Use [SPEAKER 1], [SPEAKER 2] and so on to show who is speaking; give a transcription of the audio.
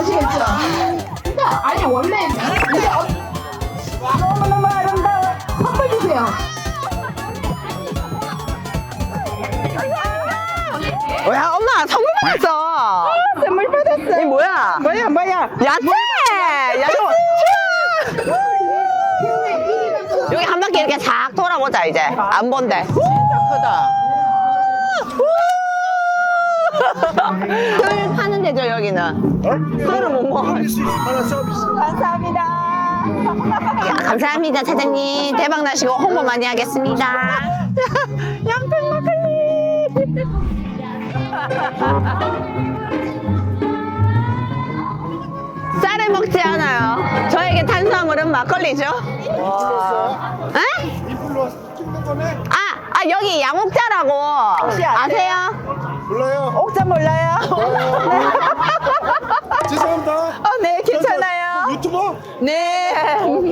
[SPEAKER 1] 아시겠죠? 진짜 아니 원래 이게 너무너무 아름다워. 선물 주세요.
[SPEAKER 2] 야, 엄마 선물 받았어.
[SPEAKER 1] 선물 받았어.
[SPEAKER 2] 이게 뭐야?
[SPEAKER 1] 뭐야?
[SPEAKER 2] 야채! 야채! 여기 한 바퀴 이렇게 싹 돌아보자, 이제. 안 본대. 진짜 크다. 술 파는 데죠, 여기는? 술을 못 먹어.
[SPEAKER 1] 감사합니다.
[SPEAKER 2] 감사합니다, 사장님. 대박 나시고 홍보 많이 하겠습니다. 양평 막걸리. 쌀을 먹지 않아요. 저에게 탄수화물은 막걸리죠. 에? 여기 양옥자라고 아세요?
[SPEAKER 3] 몰라요.
[SPEAKER 1] 옥자 몰라요?
[SPEAKER 3] 죄송합니다.
[SPEAKER 1] 네, 괜찮아요.
[SPEAKER 3] 유튜버?
[SPEAKER 1] 네.